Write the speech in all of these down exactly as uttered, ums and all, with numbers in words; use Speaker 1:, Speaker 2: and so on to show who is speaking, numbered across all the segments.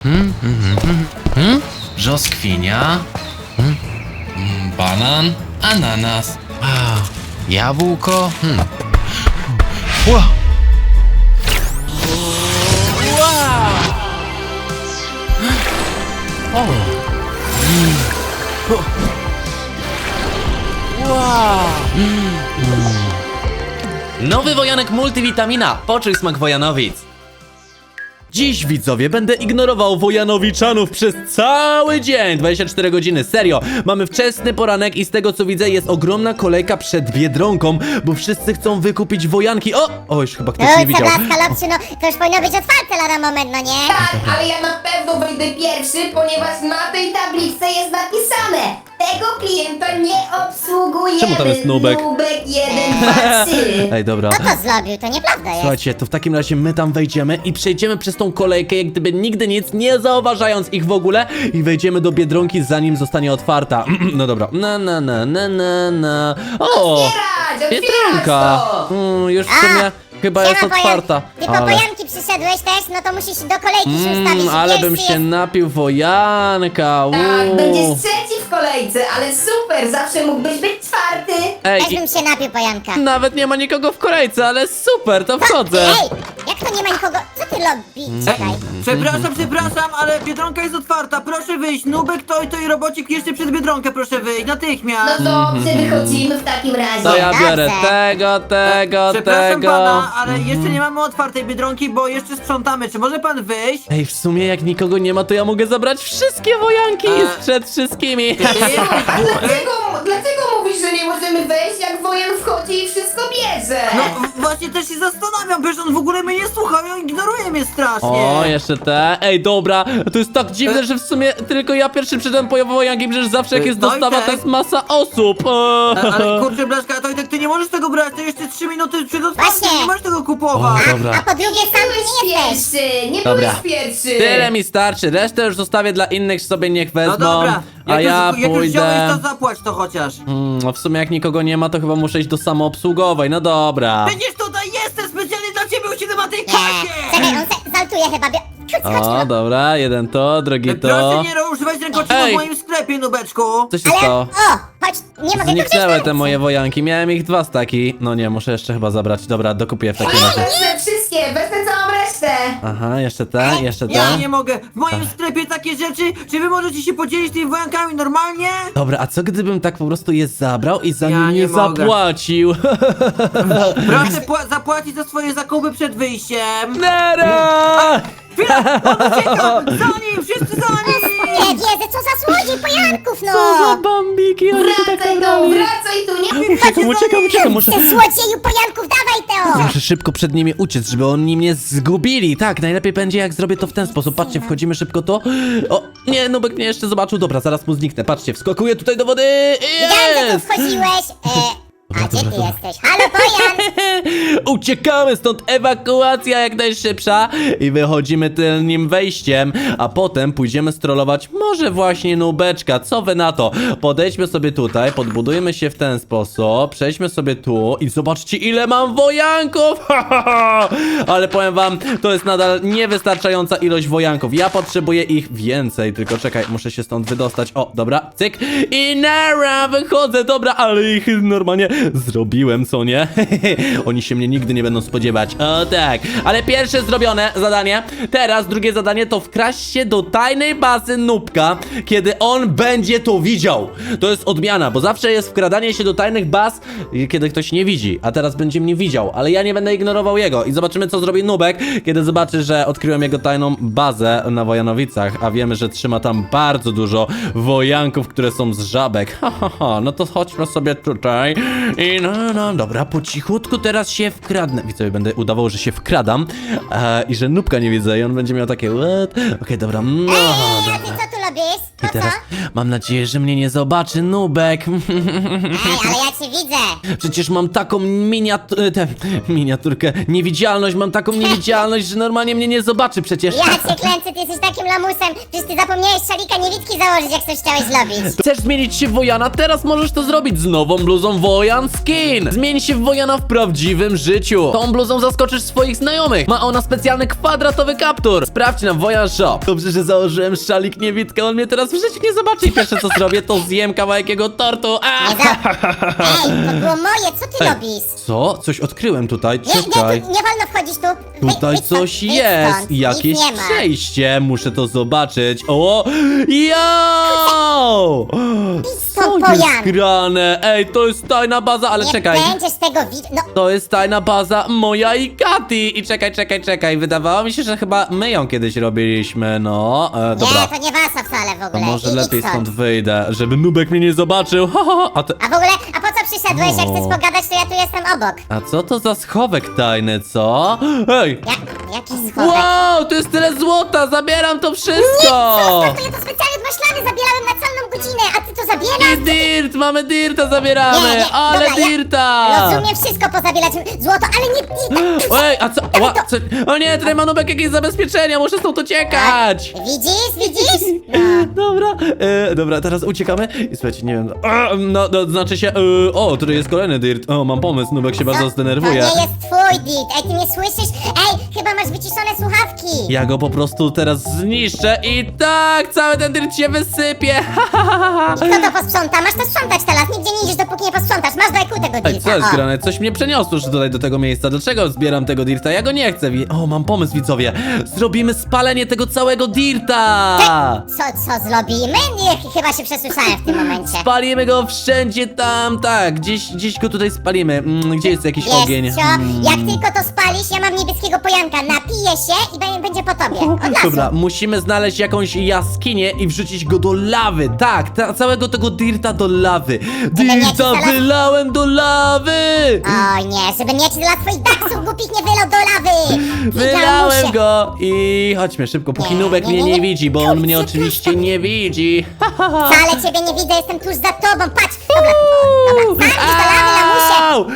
Speaker 1: Hmm, hmm, hmm, hmm. Brzoskwinia. Hmm. Hmm, banan. Ananas. A, jabłko. Hmm. Ła. O. Mm. O. Wow. Mm. Nowy wojanek multivitamina. Poczuj smak wojanowic. Dziś, widzowie, będę ignorował Wojanowiczanów przez cały dzień, dwadzieścia cztery godziny, serio. Mamy wczesny poranek i z tego co widzę jest ogromna kolejka przed Biedronką, bo wszyscy chcą wykupić wojanki. O! O, już chyba ktoś
Speaker 2: No
Speaker 1: nie
Speaker 2: co
Speaker 1: widział.
Speaker 2: blaska, Lopsiu, no to już powinno być otwarte lada moment, no nie?
Speaker 3: Tak, ale ja na pewno wyjdę pierwszy, ponieważ na tej tabliczce jest napisane: tego klienta nie obsługujemy.
Speaker 1: Czemu tam jest Nubek?
Speaker 3: Nubek jeden, dwa, trzy.
Speaker 1: Ej, dobra.
Speaker 2: Kto to zrobił? To nieprawda jest.
Speaker 1: Słuchajcie, to w takim razie my tam wejdziemy i przejdziemy przez tą kolejkę, jak gdyby nigdy nic, nie zauważając ich w ogóle i wejdziemy do Biedronki, zanim zostanie otwarta. No dobra. Na, na, na, na, na, na. O!
Speaker 3: Otwierać, otwierać
Speaker 1: Biedronka!
Speaker 3: to!
Speaker 1: Mm, już w sumie chyba jest
Speaker 2: Siema,
Speaker 1: otwarta.
Speaker 2: Pojan. Ty po pojanki przyszedłeś też, no to musisz do kolejki się ustawić.
Speaker 1: Mm, ale
Speaker 2: Pierwszy
Speaker 1: bym się
Speaker 2: jest...
Speaker 1: napił wojanka.
Speaker 3: Tak,
Speaker 1: uuu.
Speaker 3: będziesz trzeci w kolejce, ale super, zawsze mógłbyś być czwarty.
Speaker 1: Ej,
Speaker 2: Też bym się napił pojanka.
Speaker 1: i nawet nie ma nikogo w kolejce, ale super, to wchodzę.
Speaker 2: Ej, jak to nie ma nikogo? Co ty lobby? Czekaj.
Speaker 4: Przepraszam, przepraszam, ale Biedronka jest otwarta, proszę wyjść. Nubek, to i to i robocik jeszcze przed Biedronkę, proszę wyjść,
Speaker 3: No
Speaker 4: natychmiast.
Speaker 3: dobrze, wychodzimy w takim razie.
Speaker 1: To ja biorę
Speaker 2: Dobrze.
Speaker 1: tego, tego,
Speaker 4: Przepraszam
Speaker 1: tego.
Speaker 4: pana, ale jeszcze nie mamy otwartej Biedronki, bo jeszcze sprzątamy. Czy może pan wyjść?
Speaker 1: Ej, w sumie jak nikogo nie ma, to ja mogę zabrać wszystkie wojanki
Speaker 4: E.
Speaker 1: przed wszystkimi.
Speaker 3: A dlaczego, dlaczego mówisz, że nie możemy wejść, jak wojen wchodzi i wszystko bierze?
Speaker 4: No w- właśnie też się zastanawiam, przecież on w ogóle mnie nie słucha i on ignoruje mnie strasznie.
Speaker 1: O, jeszcze te. Ej, dobra, to jest tak dziwne, że w sumie tylko ja pierwszy przyszedłem po wojanki, przecież zawsze jak
Speaker 4: E,
Speaker 1: jest
Speaker 4: no i
Speaker 1: dostawa,
Speaker 4: tak.
Speaker 1: to jest masa osób.
Speaker 4: A, ale kurczę, Blaszka, to i tak ty nie możesz tego brać, to jeszcze trzy minuty przed otwarciem,
Speaker 2: Właśnie.
Speaker 4: nie możesz tego kupować.
Speaker 1: O, dobra.
Speaker 2: A po drugie sam tu
Speaker 3: Byłeś
Speaker 2: nie jesteś.
Speaker 3: pierwszy, nie
Speaker 1: Dobra.
Speaker 3: byłeś pierwszy.
Speaker 1: Tyle mi starczy, resztę już zostawię dla innych, sobie niech wezmą.
Speaker 4: No dobra,
Speaker 1: A
Speaker 4: jak,
Speaker 1: ja
Speaker 4: już, jak już
Speaker 1: pójdę.
Speaker 4: wziąłeś, to zapłać to chociaż.
Speaker 1: Mm, no w sumie jak nikogo nie ma, to chyba muszę iść do samoobsługowej, no dobra.
Speaker 4: Przecież tutaj jestem specjalnie dla ciebie, usiedzę na tej
Speaker 2: Nie.
Speaker 4: kasie.
Speaker 2: Czekaj, on se zaltuje chyba. Bie... Chodź, chodź,
Speaker 1: O,
Speaker 2: no.
Speaker 1: dobra, jeden to, drugi to.
Speaker 4: Proszę nie używać rękoczynów
Speaker 1: Ej.
Speaker 4: w moim sklepie, Nubeczku.
Speaker 1: Co się
Speaker 2: Ale,
Speaker 1: stało?
Speaker 2: o, chodź, nie mogę tu
Speaker 1: Zniknęły
Speaker 2: wziąć
Speaker 1: te moje wojanki, miałem ich dwa staki. No nie, muszę jeszcze chyba zabrać. Dobra, dokupię w takim
Speaker 3: Ja
Speaker 1: razie.
Speaker 3: wezmę wszystkie, wezmę całą resztę.
Speaker 1: Aha, jeszcze te, jeszcze
Speaker 4: Ja
Speaker 1: te.
Speaker 4: nie mogę. W moim sklepie takie rzeczy. Czy wy możecie się podzielić tymi wojankami normalnie?
Speaker 1: Dobra, a co gdybym tak po prostu je zabrał i za
Speaker 4: Ja
Speaker 1: nie,
Speaker 4: nie
Speaker 1: nie
Speaker 4: mogę.
Speaker 1: zapłacił?
Speaker 4: Proszę pła- zapłacić za swoje zakupy przed wyjściem.
Speaker 1: Nara!
Speaker 4: Chwila, on ucieka! Za nim! Wszyscy za nim!
Speaker 2: Nie wierzę, co za słodziej pojanków, no.
Speaker 1: Co za bambiki, oni się tak
Speaker 3: Wracaj tu,
Speaker 1: nabrali.
Speaker 3: wracaj tu, nie
Speaker 1: Uciekam, uciekam, uciekam, muszę...
Speaker 2: Ty słodzieju pojanków, dawaj Teo.
Speaker 1: Muszę szybko przed nimi uciec, żeby oni mnie zgubili. Tak, najlepiej będzie jak zrobię to w ten sposób. Patrzcie, wchodzimy szybko to. O, nie, Nubek mnie jeszcze zobaczył. Dobra, zaraz mu zniknę. Patrzcie, wskakuję tutaj do wody.
Speaker 2: Widziałem, że tu
Speaker 1: Jest!
Speaker 2: wchodziłeś. E, a gdzie ty jesteś? Halo, pojan.
Speaker 1: Uciekamy stąd, ewakuacja jak najszybsza i wychodzimy tylnym wejściem, a potem pójdziemy strollować może właśnie Nubeczka, co wy na to? Podejdźmy sobie tutaj, podbudujmy się w ten sposób, przejdźmy sobie tu i zobaczcie ile mam wojanków, ale powiem wam, to jest nadal niewystarczająca ilość wojanków, ja potrzebuję ich więcej, tylko czekaj, muszę się stąd wydostać, o dobra, cyk i nara, wychodzę, dobra, ale ich normalnie zrobiłem, co nie? Oni się mnie nigdy nie będą spodziewać. O tak, ale pierwsze zrobione zadanie. Teraz drugie zadanie to wkraść się do tajnej bazy Nubka, kiedy on będzie to widział. To jest odmiana, bo zawsze jest wkradanie się do tajnych baz, kiedy ktoś nie widzi, a teraz będzie mnie widział, ale ja nie będę ignorował jego i zobaczymy co zrobi Nubek, kiedy zobaczy, że odkryłem jego tajną bazę na Wojanowicach, a wiemy, że trzyma tam bardzo dużo wojanków, które są z żabek. Ha, ha, ha. No to chodźmy sobie tutaj i no, no, dobra, po cichutku teraz się wkradnę. Widzowie, będę udawał, że się wkradam e, i że Nubka nie widzę i on będzie miał takie what? Okej, dobra, no,
Speaker 2: Ej, a
Speaker 1: dobra.
Speaker 2: ty co tu robisz?
Speaker 1: I
Speaker 2: To co?
Speaker 1: teraz mam nadzieję, że mnie nie zobaczy Nubek.
Speaker 2: Ej, ale ja cię widzę.
Speaker 1: Przecież mam taką miniat... tę miniaturkę, niewidzialność, mam taką niewidzialność, że normalnie mnie nie zobaczy przecież.
Speaker 2: Ja cię klęcę, ty jesteś takim lamusem. Przecież ty zapomniałeś szalika niewidki założyć, jak coś chciałeś zrobić.
Speaker 1: Chcesz zmienić się w Wojana? Teraz możesz to zrobić z nową bluzą Wojan Skin. Zmień się w Wojana w prawdziwym życiu. Tą bluzą zaskoczysz swoich znajomych. Ma ona specjalny kwadratowy kaptur. Sprawdź na Wojan Shop. Dobrze, że założyłem szalik niewidkę, on mnie teraz w życiu nie zobaczy i pierwsze co zrobię, to zjem kawałek jego tortu. A!
Speaker 2: Nie za... Ej, to było moje, co ty
Speaker 1: Ej,
Speaker 2: robisz?
Speaker 1: Co? Coś odkryłem tutaj,
Speaker 2: Nie, nie,
Speaker 1: czekaj.
Speaker 2: tu nie wolno wchodzić tu. Wy,
Speaker 1: Tutaj
Speaker 2: wyjdź stąd,
Speaker 1: coś
Speaker 2: wyjdź
Speaker 1: jest,
Speaker 2: stąd,
Speaker 1: jakieś
Speaker 2: nic nie ma.
Speaker 1: przejście, muszę to zobaczyć. O, jo! Co
Speaker 2: stąd,
Speaker 1: jest
Speaker 2: Wojan.
Speaker 1: grane? Ej, to jest tajna baza, ale
Speaker 2: Nie
Speaker 1: czekaj.
Speaker 2: będziesz tego widzieć. No,
Speaker 1: To jest tajna baza moja i Kati. I czekaj, czekaj, czekaj. Wydawało mi się, że chyba my ją kiedyś robiliśmy, no. E, dobra.
Speaker 2: nie, to nie wasza wcale w
Speaker 1: To
Speaker 2: ogóle.
Speaker 1: może
Speaker 2: I- idź
Speaker 1: lepiej stąd wyjdę, żeby Nubek mnie nie zobaczył. Ha, ha, ha. A, te...
Speaker 2: A w ogóle, a po co przyszedłeś? Jak
Speaker 1: O.
Speaker 2: chcesz pogadać, to ja tu jestem obok.
Speaker 1: A co to za schowek tajny, co? Ej!
Speaker 2: Jak, jaki schowek?
Speaker 1: Wow, to jest tyle złota, zabieram to wszystko!
Speaker 2: Zostaw, to ja to specjalnie od maślany zabierałem na całą godzinę, a ty to
Speaker 1: I
Speaker 2: zabierasz?
Speaker 1: dirt, mamy dirta zabieramy,
Speaker 2: Nie, nie,
Speaker 1: ale
Speaker 2: dobra, ja
Speaker 1: dirta!
Speaker 2: Rozumiem wszystko pozabierać, złoto, ale nie... nie tak,
Speaker 1: Ej, a co, ła, co? O nie, tutaj ma Nubek jakieś zabezpieczenia, muszę stąd uciekać!
Speaker 2: Widzisz, widzisz? No.
Speaker 1: Dobra, e, dobra, teraz uciekamy i słuchajcie, nie wiem, a, no, no, znaczy się, e, o, tutaj jest kolejny dirt, o, mam pomysł, Nubek się bardzo
Speaker 2: Co?
Speaker 1: zdenerwuje.
Speaker 2: To nie jest twój dit, ej, ty mnie słyszysz? Ej, chyba masz wyciszone słuchawki.
Speaker 1: Ja go po prostu teraz zniszczę i tak, cały ten dirt się wysypie, ha, ha, ha, ha.
Speaker 2: I kto to posprząta? Masz to sprzątać teraz, nigdzie nie idziesz, dopóki nie posprzątasz. Masz do I Q tego
Speaker 1: Ej,
Speaker 2: dilta,
Speaker 1: co jest
Speaker 2: o.
Speaker 1: grane? Coś mnie przeniosło już tutaj do tego miejsca. Dlaczego zbieram tego dirta? Ja go nie chcę. Wi- O, mam pomysł, widzowie. Zrobimy spalenie tego całego dirta!
Speaker 2: Co, co zrobimy? Nie, chyba się przesłyszałem w tym momencie.
Speaker 1: Spalimy go wszędzie tam, tak. Gdzieś, gdzieś go tutaj spalimy. Mm, gdzie jest jakiś ogień?
Speaker 2: Wiesz co,
Speaker 1: Mm.
Speaker 2: jak tylko to spalisz, ja mam niebieskiego pojanka, napiję się i be- będzie po tobie, od razu.
Speaker 1: Dobra, musimy znaleźć jakąś jaskinię i wrzucić go do lawy. Tak, ta, całego tego dirta do lawy.
Speaker 2: mieć
Speaker 1: Dirta
Speaker 2: zaraz-
Speaker 1: wylałem do lawy!
Speaker 2: Oj nie, żeby mieć dla twoich daksów głupich nie wylał do lawy.
Speaker 1: Wylałem
Speaker 2: Widział
Speaker 1: go i chodźmy szybko, póki
Speaker 2: Nie,
Speaker 1: Nubek
Speaker 2: nie,
Speaker 1: mnie
Speaker 2: nie,
Speaker 1: nie
Speaker 2: nie.
Speaker 1: widzi, bo on
Speaker 2: Kurczę,
Speaker 1: mnie oczywiście nie widzi. Ha, ha, ha.
Speaker 2: Wcale ciebie nie widzę, jestem tuż za tobą, patrz. Dobra, o, dobra, sam do lawy, lamusie.
Speaker 1: Au!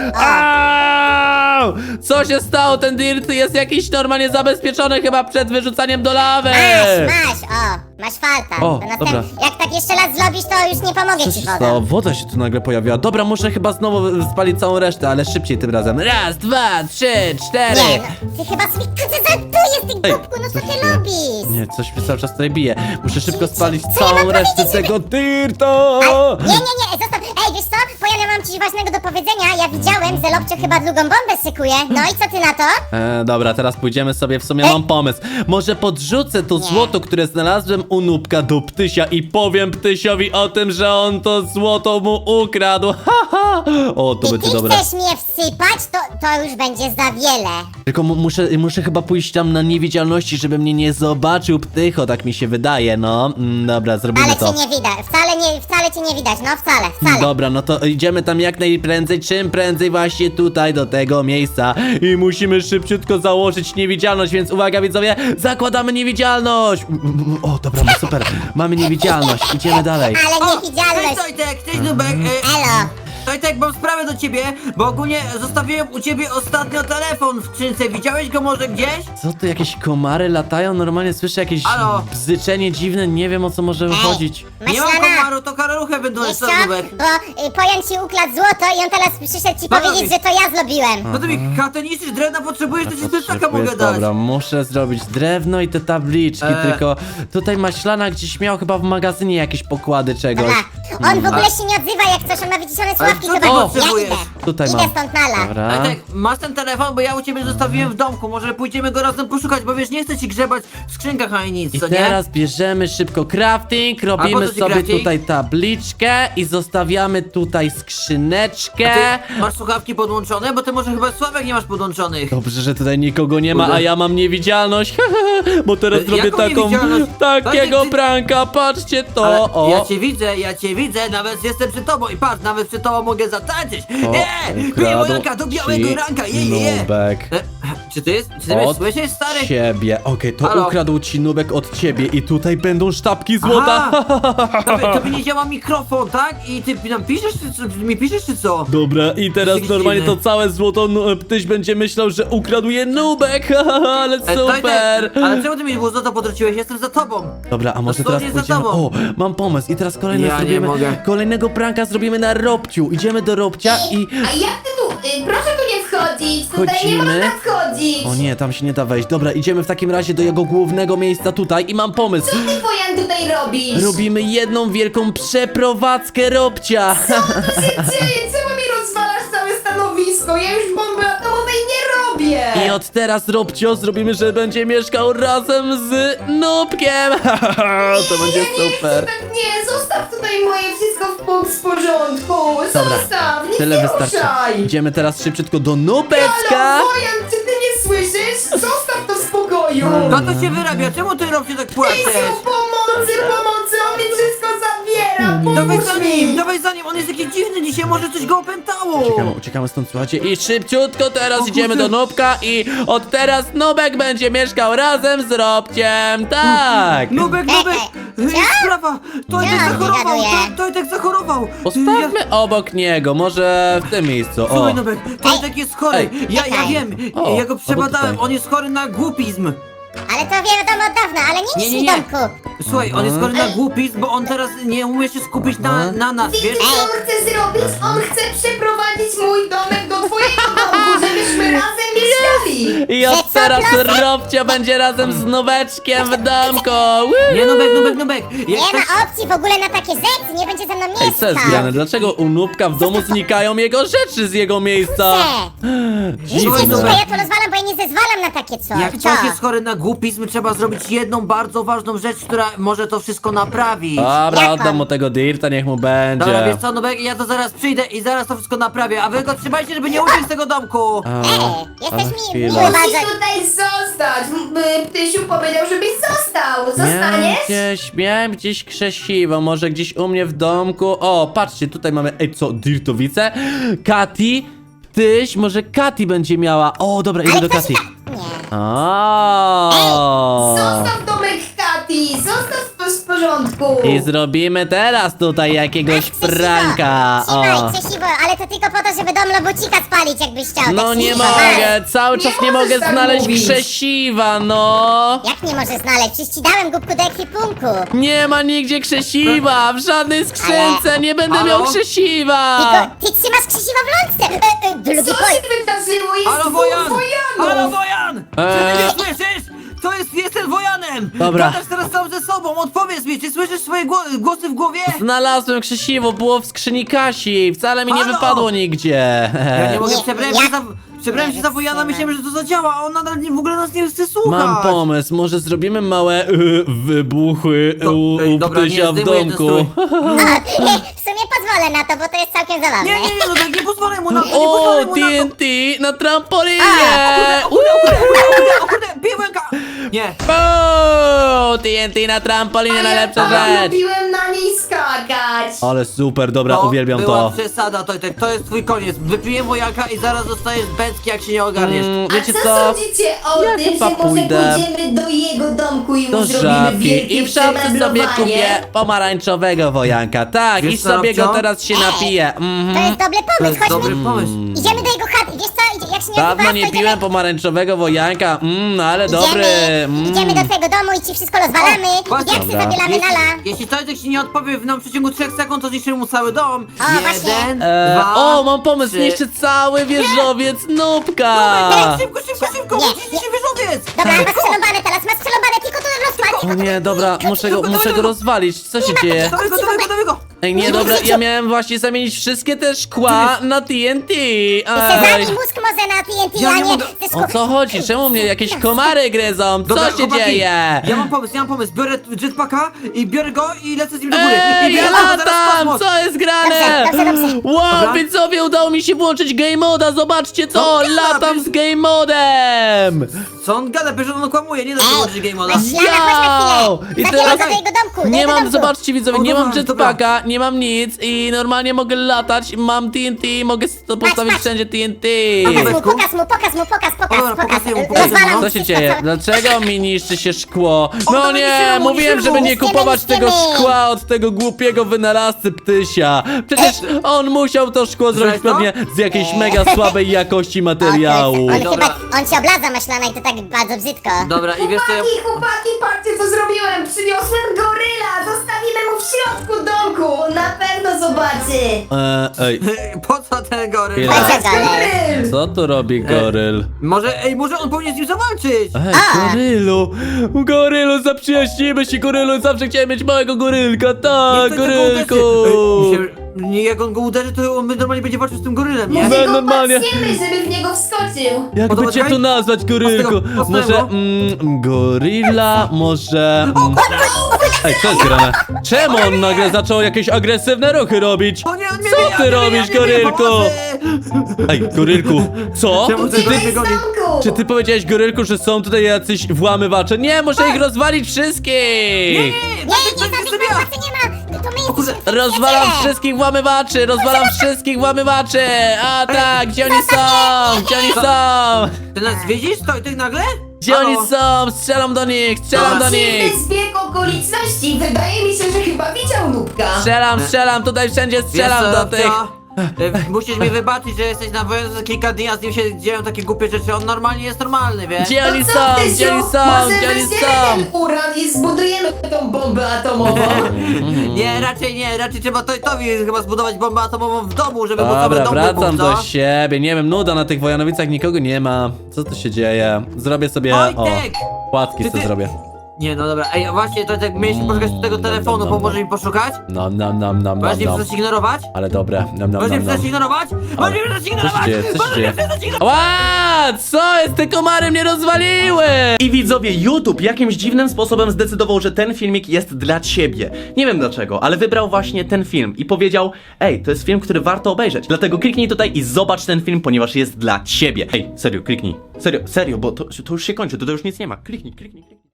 Speaker 2: O.
Speaker 1: Au! Co się stało? Ten dirt jest jakiś normalnie zabezpieczony chyba przed wyrzucaniem do lawy.
Speaker 2: Masz, masz, o, masz falta.
Speaker 1: O,
Speaker 2: To następ-
Speaker 1: dobra.
Speaker 2: Jak tak jeszcze raz zrobisz, to już nie pomogę
Speaker 1: Co
Speaker 2: ci
Speaker 1: się
Speaker 2: wodą.
Speaker 1: stało? Woda się tu nagle pojawiła. Dobra, muszę chyba znowu spalić całą resztę, ale szybciej tym razem. Raz, dwa, trzy, cztery.
Speaker 2: Nie, no, ty chyba sobie żartujesz, ty
Speaker 1: Ej,
Speaker 2: głupku, no co
Speaker 1: co
Speaker 2: ty
Speaker 1: się-
Speaker 2: robisz?
Speaker 1: Nie, coś mnie cały czas tutaj bije. Muszę szybko spalić
Speaker 2: Co ja
Speaker 1: całą
Speaker 2: mam
Speaker 1: resztę
Speaker 2: powiedzieć, żeby-
Speaker 1: tego dirta.
Speaker 2: Ale, nie, nie, nie, zostaw. Ej, wiesz co? Powiem, ja mam coś ważnego do powiedzenia. Ja widziałem, że Lobcio chyba drugą bombę szykuje. No i co ty na to?
Speaker 1: E, dobra, teraz pójdziemy sobie, w sumie mam pomysł. Może podrzucę to
Speaker 2: Nie.
Speaker 1: złoto, które znalazłem u Nubka do Ptysia i powiem Ptysiowi o tym, że on to złoto mu ukradł. Ha, ha. O, to
Speaker 2: I
Speaker 1: będzie
Speaker 2: ty
Speaker 1: dobre.
Speaker 2: chcesz mnie wsypać, to, to już będzie za wiele.
Speaker 1: Tylko mu- muszę, muszę chyba pójść tam na niewidzialności, żeby mnie nie zobaczył Ptycho, tak mi się wydaje, no. Mm, dobra, zrobimy
Speaker 2: Ale
Speaker 1: to.
Speaker 2: cię nie widać. Wcale nie, wcale cię nie widać. No wcale, wcale.
Speaker 1: Dobra, no to idziemy tam jak najprędzej, czym prędzej właśnie tutaj do tego miejsca i musimy szybciutko założyć niewidzialność, więc uwaga widzowie, zakładamy niewidzialność! O, dobra, no super, mamy niewidzialność, idziemy dalej.
Speaker 2: Ale
Speaker 4: O,
Speaker 2: niewidzialność.
Speaker 4: Cześć Tojtek, cześć Nubek. E,
Speaker 2: Elo.
Speaker 4: Tojtek, mam sprawę do ciebie, bo ogólnie zostawiłem u ciebie ostatnio telefon w skrzynce. Widziałeś go może gdzieś?
Speaker 1: Co tu, jakieś komary latają? Normalnie słyszę jakieś
Speaker 4: Halo?
Speaker 1: bzyczenie dziwne, nie wiem o co może chodzić.
Speaker 4: Nie mam
Speaker 2: Maślana.
Speaker 4: komaru, to karaluchę będą
Speaker 2: Wiesz
Speaker 4: jeszcze
Speaker 2: co?
Speaker 4: Nubek.
Speaker 2: Bo y, Pojan ci ukradł złoto i on teraz przyszedł ci
Speaker 4: No,
Speaker 2: powiedzieć,
Speaker 4: no,
Speaker 2: że to ja zrobiłem.
Speaker 4: No to mi katę niszczysz, drewna potrzebujesz, to ci z plecaka
Speaker 1: Potrzebuję-
Speaker 4: mogę dać.
Speaker 1: Dobra, muszę zrobić drewno i te tabliczki,
Speaker 4: E.
Speaker 1: tylko tutaj Maślana gdzieś miał chyba w magazynie jakieś pokłady czegoś.
Speaker 2: Dobra. On w ogóle się nie odzywa, jak coś, on ma wyciszone sławki,
Speaker 4: co
Speaker 2: to
Speaker 4: ty
Speaker 2: tak, ja
Speaker 4: potrzebujesz?
Speaker 2: idę.
Speaker 1: Tutaj
Speaker 2: idę
Speaker 1: mam.
Speaker 2: stąd nala.
Speaker 1: Dobra.
Speaker 4: Tojtek, masz ten telefon, bo ja u ciebie zostawiłem w domku, może pójdziemy go razem poszukać, bo wiesz, nie chcę ci grzebać w skrzynkach ani nic,
Speaker 1: I
Speaker 4: co nie?
Speaker 1: teraz bierzemy szybko crafting,
Speaker 4: A
Speaker 1: robimy
Speaker 4: po co ci
Speaker 1: sobie
Speaker 4: crafting?
Speaker 1: tutaj tabliczkę i zostawiamy tutaj skrzyneczkę.
Speaker 4: Ty masz słuchawki podłączone? Bo ty może chyba Sławek nie masz podłączonych.
Speaker 1: Dobrze, że tutaj nikogo nie ma,
Speaker 4: Kurde.
Speaker 1: a ja mam niewidzialność, bo teraz
Speaker 4: E,
Speaker 1: zrobię
Speaker 4: jaką
Speaker 1: taką,
Speaker 4: niewidzialność?
Speaker 1: takiego
Speaker 4: Bardziej ty-
Speaker 1: pranka, patrzcie to,
Speaker 4: Ale
Speaker 1: o.
Speaker 4: ja cię widzę, ja cię widzę, nawet jestem przy tobą i patrz, nawet przy tobą mogę zatańczyć.
Speaker 1: O,
Speaker 4: Nie,
Speaker 1: ukradł
Speaker 4: białego do białego
Speaker 1: ci
Speaker 4: ranka, je, je, je.
Speaker 1: Nubek.
Speaker 4: E, Czy ty jest, czy ty mnie
Speaker 1: Od
Speaker 4: słyszysz, stary?
Speaker 1: ciebie. Okej, to
Speaker 4: Halo?
Speaker 1: ukradł ci Nubek od ciebie i tutaj będą sztabki złota.
Speaker 4: Tobie, tobie nie działa mikrofon, tak? I ty nam piszesz, czy, czy mi piszesz, czy co?
Speaker 1: Dobra, i teraz
Speaker 4: Jesteś
Speaker 1: normalnie to
Speaker 4: dziwny.
Speaker 1: całe złoto nu- Ptyś będzie myślał, że ukradł je Nubek. Ale
Speaker 4: E, Tojtek,
Speaker 1: super.
Speaker 4: ale czemu ty mi było złoto potrąciłeś? Jestem za tobą.
Speaker 1: Dobra, a może teraz
Speaker 4: Dosłownie za
Speaker 1: pójdziemy... O,
Speaker 4: tobą.
Speaker 1: mam pomysł i teraz kolejny
Speaker 4: Ja nie
Speaker 1: zrobimy...
Speaker 4: mogę.
Speaker 1: Kolejnego pranka zrobimy na Robciu. Idziemy do Robcia i...
Speaker 3: A jak ty tu, y, proszę tu nie wchodzić, tutaj nie
Speaker 1: Wchodzimy.
Speaker 3: można wchodzić.
Speaker 1: O nie, tam się nie da wejść. Dobra, idziemy w takim razie do jego głównego miejsca tutaj i mam pomysł.
Speaker 3: Co ty, Wojan, tutaj robisz?
Speaker 1: Robimy jedną wielką przeprowadzkę Robcia.
Speaker 3: Co tu się dzieje? Czemu mi rozwalasz całe stanowisko? Ja już bomby atomowej nie robię.
Speaker 1: I od teraz, Robcio, zrobimy, że będzie mieszkał razem z Nubkiem. To będzie
Speaker 3: ja nie
Speaker 1: super.
Speaker 3: chcę, tak nie, zostaw tutaj moje wszystko w, po- w porządku.
Speaker 1: Dobra,
Speaker 3: Zostaw, nie
Speaker 1: tyle
Speaker 3: nie
Speaker 1: wystarczy.
Speaker 3: ruszaj.
Speaker 1: Idziemy teraz szybciutko do Nubeczka.
Speaker 3: Halo, Wojan, czy ty nie słyszysz? Zostaw to w spokoju.
Speaker 4: No to się wyrabia, czemu ty Robcie tak płaczesz?
Speaker 3: Jezu, pomocy, pomocy, on mi wszystko zabiera.
Speaker 4: Dawaj
Speaker 3: Pomóż
Speaker 4: za
Speaker 3: mi.
Speaker 4: nim, dawaj za nim, on jest jakiś dziwny dzisiaj, może coś go opętało.
Speaker 1: Uciekamy, uciekamy stąd, słuchajcie. I szybciutko teraz
Speaker 4: O
Speaker 1: idziemy
Speaker 4: kurde.
Speaker 1: do Nubka i od teraz Nubek będzie mieszkał razem z Robciem. Tak.
Speaker 4: Nubek, Nubek,
Speaker 2: Ej,
Speaker 4: jest sprawa, Tojtek
Speaker 2: Co on
Speaker 4: zachorował,
Speaker 2: wygaduje?
Speaker 4: Toj- Tojtek zachorował.
Speaker 1: Postawmy obok niego, może w tym miejscu. O.
Speaker 4: Słuchaj, Nubek, Tojtek jest chory.
Speaker 1: Ej.
Speaker 4: Ja, ja
Speaker 2: Czekaj.
Speaker 4: wiem,
Speaker 1: O,
Speaker 4: ja go
Speaker 1: albo
Speaker 4: przebadałem,
Speaker 1: tutaj.
Speaker 4: on jest chory na głupizm.
Speaker 2: Ale to wiadomo od dawna, ale nie
Speaker 4: Nie,
Speaker 2: niż
Speaker 4: nie,
Speaker 2: mi
Speaker 4: nie.
Speaker 2: domku.
Speaker 4: Słuchaj, on jest chory na głupizm, bo on teraz nie umie się skupić na, na nas,
Speaker 3: Wiecie,
Speaker 4: wiesz?
Speaker 3: co on chce zrobić? On chce przeprowadzić mój domek do twojego domku, żebyśmy razem mieszkali.
Speaker 1: I
Speaker 2: Że
Speaker 1: od
Speaker 2: co,
Speaker 1: teraz
Speaker 2: Plasek?
Speaker 1: Robcia będzie razem z Nubeczkiem w domku. Woo!
Speaker 4: Nie, Nubek, Nubek, Nubek. Jak
Speaker 2: Nie
Speaker 4: ktoś...
Speaker 2: ma opcji w ogóle na takie rzeczy, nie będzie ze mną
Speaker 1: Ej,
Speaker 2: mieszkał.
Speaker 1: co jest grane? Dlaczego u Nubka w domu znikają jego rzeczy z jego miejsca?
Speaker 2: Nie,
Speaker 4: Słuchaj,
Speaker 2: nie,
Speaker 4: Nubek.
Speaker 2: ja to rozwalam, bo ja nie zezwalam na takie coś.
Speaker 4: Jak
Speaker 2: Co?
Speaker 4: ktoś jest chory na głupizm, trzeba zrobić jedną bardzo ważną rzecz, która może to wszystko naprawić.
Speaker 1: Dobra,
Speaker 2: Jak
Speaker 1: oddam
Speaker 2: on?
Speaker 1: mu tego dirta, niech mu będzie.
Speaker 4: Dobra, wiesz co, Nubek, ja to zaraz przyjdę i zaraz to wszystko naprawię, a wy go trzymajcie, żeby nie uciekł z tego domku.
Speaker 1: A,
Speaker 2: Ej,
Speaker 1: ale
Speaker 2: jesteś mi
Speaker 1: chwila.
Speaker 2: miły
Speaker 3: Musisz
Speaker 2: bardzo.
Speaker 3: tutaj zostać. M- y, Ptysiu powiedział, żebyś został.
Speaker 1: Miałem
Speaker 3: Zostaniesz?
Speaker 1: gdzieś, miałem gdzieś krzesiwo, może gdzieś u mnie w domku. O, patrzcie, tutaj mamy, ej co, dirtowice? Kati, Tyś, może Kati będzie miała. O, dobra, idę
Speaker 2: Ale
Speaker 1: do
Speaker 2: ktoś
Speaker 1: Kati.
Speaker 2: ta... Nie.
Speaker 1: O.
Speaker 3: Zostaw domek Kati. Zostaw to w porządku.
Speaker 1: I zrobimy teraz tutaj jakiegoś
Speaker 2: Krzesiwo,
Speaker 1: pranka.
Speaker 2: Trzymaj,
Speaker 1: O.
Speaker 2: krzesiwo, ale to tylko po to, żeby dom Lobocika spalić, jakbyś chciał.
Speaker 1: No
Speaker 2: tak
Speaker 1: nie
Speaker 2: krzesiwo,
Speaker 1: mogę, cały czas nie
Speaker 3: możesz
Speaker 1: mogę
Speaker 3: tak
Speaker 1: znaleźć
Speaker 3: mówić.
Speaker 1: krzesiwa, no.
Speaker 2: Jak nie możesz znaleźć? Przecież ci dałem głupku do ekwipunku.
Speaker 1: Nie ma nigdzie krzesiwa, w żadnej skrzynce, nie będę
Speaker 4: Halo?
Speaker 1: miał krzesiwa.
Speaker 2: Tylko ty trzymasz krzesiwa w lądce. E, e, drugi
Speaker 3: Co
Speaker 2: poj...
Speaker 3: się wydarzyło? Jest
Speaker 4: Halo,
Speaker 3: dwóch
Speaker 4: Wojan!
Speaker 3: wojanów.
Speaker 4: Halo, Wojan! Czy
Speaker 1: Eee.
Speaker 4: ty nie słyszysz? To jest, jestem Wojanem!
Speaker 1: Dobra.
Speaker 4: Gadasz teraz sam ze sobą, odpowiedz mi, czy słyszysz swoje gło- głosy w głowie?
Speaker 1: Znalazłem krzesiwo, było w skrzyni Kasi, wcale mi nie
Speaker 4: Halo?
Speaker 1: wypadło nigdzie.
Speaker 4: Ja nie mogę,
Speaker 2: Nie,
Speaker 4: przebrałem
Speaker 2: ja-
Speaker 4: się za... Przebrałem się za Wojana, myślałem, że to zadziała, a on nadal nie, w ogóle nas nie chce słuchać.
Speaker 1: Mam pomysł, może zrobimy małe y, wybuchy
Speaker 4: Do-
Speaker 1: u,
Speaker 4: ej,
Speaker 1: u
Speaker 4: dobra, nie,
Speaker 1: Ptysia w
Speaker 4: zdejmuję ten
Speaker 1: domku.
Speaker 4: strój.
Speaker 2: E, W sumie pozwolę na to, bo to jest całkiem zabawne.
Speaker 4: Nie, nie, nie, no tak, nie pozwolę mu na to, nie
Speaker 1: O,
Speaker 4: pozwolę mu
Speaker 1: T
Speaker 4: na to.
Speaker 1: N T na trampolinie!
Speaker 4: O kurde, o kurde, o kurde, o kurde, piłka! Nie.
Speaker 1: O, T N T na trampolinie,
Speaker 3: A
Speaker 1: najlepsza
Speaker 3: ja tak
Speaker 1: rzecz!
Speaker 3: lubiłem na niej skakać.
Speaker 1: Ale super, dobra,
Speaker 4: To
Speaker 1: uwielbiam
Speaker 4: była
Speaker 1: to.
Speaker 4: przesada, Tojtek, to jest twój koniec. Wypiję Wojanka i zaraz dostajesz bęcki, jak się nie ogarniesz.
Speaker 1: Mm,
Speaker 3: A
Speaker 1: wiecie
Speaker 3: co,
Speaker 1: co?
Speaker 3: sądzicie o
Speaker 1: Ja
Speaker 3: tym,
Speaker 1: chyba
Speaker 3: że może
Speaker 1: pójdę
Speaker 3: pójdziemy do jego domku i mu
Speaker 1: Do
Speaker 3: zrobimy
Speaker 1: żabki
Speaker 3: wielkie
Speaker 1: i w szafce sobie
Speaker 3: przemeblowanie?
Speaker 1: kupię pomarańczowego wojanka. Tak,
Speaker 4: Wiesz
Speaker 1: i
Speaker 4: co,
Speaker 1: sobie go
Speaker 4: Robcio?
Speaker 1: teraz się
Speaker 2: Ej,
Speaker 1: napiję.
Speaker 2: To
Speaker 1: Mhm.
Speaker 2: jest dobry
Speaker 4: To
Speaker 2: pomysł,
Speaker 4: jest dobry
Speaker 2: chodźmy.
Speaker 4: pomysł.
Speaker 2: Idziemy do jego chaty, wiesz co? Idzie- Jak się nie
Speaker 1: Dawno
Speaker 2: odzywasz,
Speaker 1: nie
Speaker 2: to
Speaker 1: piłem
Speaker 2: idziemy...
Speaker 1: pomarańczowego wojanka. Mmm, ale
Speaker 2: Idziemy,
Speaker 1: dobry. Mm.
Speaker 2: idziemy do twojego domu i ci wszystko rozwalamy.
Speaker 4: Właśnie.
Speaker 2: Jak się
Speaker 1: Dobra.
Speaker 2: zabielamy nala.
Speaker 4: Jeśli, jeśli Tojtek ci nie odpowie w nam w przeciągu trzech sekund, to zniszczymy mu cały dom.
Speaker 2: O, właśnie.
Speaker 4: Jeden,
Speaker 1: E,
Speaker 4: dwa,
Speaker 1: o, mam pomysł,
Speaker 4: trzy.
Speaker 1: niszczy cały wieżowiec Nubka.
Speaker 4: Nubek, szybko, szybko, szybko,
Speaker 2: Nie,
Speaker 4: uciśnij się wieżowiec!
Speaker 2: Dobra, masz strzelobane teraz, masz strzelobane, tylko to rozpal.
Speaker 1: O nie, dobra, muszę go, muszę go rozwalić. Co się dzieje?
Speaker 4: Dawaj go, dawaj go, dawaj go!
Speaker 1: Ej, nie, dobra, ja miałem właśnie zamienić wszystkie te szkła na T N T. Ej.
Speaker 2: Zabij mózg może na T N T,
Speaker 4: Ja
Speaker 2: a
Speaker 4: nie
Speaker 2: nie
Speaker 4: mogę.
Speaker 2: ze
Speaker 1: O
Speaker 2: szkół.
Speaker 1: co chodzi? Czemu mnie jakieś komary gryzą? Co
Speaker 4: Dobra,
Speaker 1: się
Speaker 4: chłopaki,
Speaker 1: dzieje?
Speaker 4: Ja mam pomysł, ja mam pomysł. Biorę jetpacka i biorę go i lecę z nim do góry. I
Speaker 1: Ej, ja
Speaker 4: biorę go zaraz w
Speaker 1: latam!
Speaker 4: kosmos.
Speaker 1: Co jest grane?
Speaker 2: Dobrze, dobrze, dobrze.
Speaker 1: Wow,
Speaker 4: Dobra.
Speaker 1: widzowie, udało mi się włączyć game moda, zobaczcie to!
Speaker 4: No,
Speaker 1: Latam
Speaker 4: gada,
Speaker 1: z game modem!
Speaker 4: Co on gada? Przecież on kłamuje, nie da się
Speaker 2: Ej,
Speaker 4: włączyć game moda.
Speaker 2: weź Lana, chodź na
Speaker 1: Wow!
Speaker 2: chwilę.
Speaker 1: I
Speaker 2: Zabieraj
Speaker 1: teraz
Speaker 2: go do jego domku, do
Speaker 1: nie
Speaker 2: jego
Speaker 1: mam,
Speaker 2: domku.
Speaker 1: zobaczcie widzowie,
Speaker 4: O,
Speaker 1: nie mam
Speaker 4: dobra, dobra.
Speaker 1: jetpacka, nie nie mam nic i normalnie mogę latać, mam T N T, mogę s- to postawić
Speaker 2: patrz.
Speaker 1: wszędzie T N T.
Speaker 2: Pokaż mu,
Speaker 4: Nubeczku?
Speaker 2: pokaż mu, pokaż mu, pokaż, pokaż,
Speaker 4: Dobra,
Speaker 2: pokaż.
Speaker 4: pokazuję mu, pokazuję mu,
Speaker 2: Rozwalam
Speaker 4: no.
Speaker 1: Co się
Speaker 2: wszystko,
Speaker 1: dzieje?
Speaker 2: co-
Speaker 1: Dlaczego mi niszczy się szkło? No
Speaker 4: dawaj,
Speaker 1: nie,
Speaker 4: niszczymy mu,
Speaker 1: mówiłem,
Speaker 4: niszczymy
Speaker 1: żeby
Speaker 4: mu.
Speaker 1: nie
Speaker 2: Niszczymy,
Speaker 1: kupować tego
Speaker 2: niszczymy.
Speaker 1: szkła od tego głupiego wynalazcy Ptysia. Przecież on musiał to szkło zrobić
Speaker 4: Słyszałeś to?
Speaker 1: pewnie z jakiejś mega słabej jakości
Speaker 2: O, to
Speaker 1: materiału.
Speaker 2: jest- On
Speaker 4: Dobra.
Speaker 2: chyba, on się oblaza maślana i to tak bardzo brzydko.
Speaker 4: Dobra, i wiesz co ja...
Speaker 3: Chłopaki, chłopaki, patrzcie co zrobiłem! Przyniosłem goryla! Zostawimy mu w środku domku! Na pewno zobaczy!
Speaker 1: E, ej,
Speaker 4: Po co ten goryl?
Speaker 1: Chwila.
Speaker 2: Chodź,
Speaker 3: Patrz,
Speaker 2: goryl.
Speaker 3: goryl!
Speaker 1: co tu robi goryl?
Speaker 4: Może, ej, może on powinien z nim zawalczyć?
Speaker 1: Ej,
Speaker 2: A.
Speaker 1: gorylu! Gorylu, zaprzyjaźnimy się, gorylu! Zawsze chciałem mieć małego gorylka, tak,
Speaker 4: Nie, to
Speaker 1: gorylku!
Speaker 4: tylko uderzy. Ej, myślę, nie, jak on go uderzy, to on normalnie będzie walczył z tym gorylem, nie?
Speaker 1: Może-
Speaker 3: Może go
Speaker 1: normalnie.
Speaker 3: patrzymy, żeby w niego wskoczył!
Speaker 1: Jak
Speaker 4: Podoba
Speaker 1: by cię
Speaker 4: ci?
Speaker 1: tu nazwać, gorylku?
Speaker 4: Ostro, ostro,
Speaker 1: Może
Speaker 4: no.
Speaker 1: mm, gorilla, może... Mm. Ej, co jest grane? Czemu on nagle zaczął jakieś agresywne ruchy robić?
Speaker 4: O nie, on mnie
Speaker 1: Co
Speaker 4: bije,
Speaker 1: ty
Speaker 4: on mnie
Speaker 1: robisz,
Speaker 4: bije, on mnie bije,
Speaker 1: gorylku?
Speaker 4: pomocy!
Speaker 1: Ej, gorylku, co?
Speaker 4: Czemu
Speaker 1: Czy
Speaker 4: ty
Speaker 1: ty,
Speaker 4: mnie
Speaker 3: Jest w
Speaker 4: goni?
Speaker 3: domku!
Speaker 1: czy ty powiedziałeś, gorylku, że są tutaj jacyś włamywacze? Nie, muszę ich rozwalić wszystkich!
Speaker 2: Nie, nie,
Speaker 4: to
Speaker 2: żadnych
Speaker 4: jest sobie ja.
Speaker 2: pomocy nie ma. To my
Speaker 4: kurde,
Speaker 2: jesteśmy
Speaker 1: Rozwalam
Speaker 2: przyjaciele.
Speaker 1: wszystkich włamywaczy! Rozwalam wszystkich włamywaczy! A tak, gdzie oni są? Gdzie oni są?
Speaker 4: Ty nas widzisz? To i ty nagle?
Speaker 1: Gdzie
Speaker 4: Halo?
Speaker 1: oni są? Strzelam do nich! Strzelam do nich!
Speaker 3: Dziwny zbieg okoliczności! Wydaje mi się, że chyba widział Nubka!
Speaker 1: Strzelam, strzelam, tutaj wszędzie
Speaker 4: Wiesz
Speaker 1: strzelam
Speaker 4: co,
Speaker 1: do tych!
Speaker 4: Rafcia? E, Musisz mi wybaczyć, że jesteś na wojnie za kilka dni, a z nim się dzieją takie głupie rzeczy. On normalnie jest normalny, wiesz?
Speaker 1: Gdzie oni
Speaker 3: To
Speaker 1: są?
Speaker 3: co, Tysiu?
Speaker 1: Gdzie oni są?
Speaker 3: Może
Speaker 1: Gdzie oni
Speaker 3: weźmiemy
Speaker 1: są?
Speaker 3: ten uran i zbudujemy tą bombę atomową?
Speaker 4: Nie, raczej nie, raczej trzeba Tojtowi chyba zbudować bombę atomową w domu, żeby móc sobie
Speaker 1: Dobra,
Speaker 4: dom
Speaker 1: wracam
Speaker 4: wybuch,
Speaker 1: do
Speaker 4: co?
Speaker 1: siebie. Nie wiem, nuda na tych Wojanowicach, nikogo nie ma. Co tu się dzieje? Zrobię sobie. O,
Speaker 4: Wojtek!
Speaker 1: płatki
Speaker 4: Ty-
Speaker 1: sobie
Speaker 4: ty-
Speaker 1: zrobię.
Speaker 4: Nie, no dobra, ej, właśnie, to tak mieliśmy poszukać tego telefonu,
Speaker 1: no, no.
Speaker 4: pomoże mi poszukać?
Speaker 1: Nam, nam, nam, nam,
Speaker 4: Możesz
Speaker 1: nam,
Speaker 4: mnie
Speaker 1: nam.
Speaker 4: przestać ignorować?
Speaker 1: Ale dobre. Nam, nam,
Speaker 4: Możesz mnie
Speaker 1: nam, nam.
Speaker 4: przestać ignorować? Możesz mnie przestać
Speaker 1: Co się
Speaker 4: ignorować?
Speaker 1: dzieje? Co się
Speaker 4: Możesz
Speaker 1: dzieje?
Speaker 4: mnie przestać ignorować?
Speaker 1: Ła! Co jest? Te komary mnie rozwaliły!
Speaker 5: I widzowie, YouTube jakimś dziwnym sposobem zdecydował, że ten filmik jest dla ciebie. Nie wiem dlaczego, ale wybrał właśnie ten film i powiedział: ej, to jest film, który warto obejrzeć. Dlatego kliknij tutaj i zobacz ten film, ponieważ jest dla ciebie. Ej, serio, kliknij. Serio, serio, bo to, to już się kończy, to, to już nic nie ma. Kliknij, kliknij, kliknij.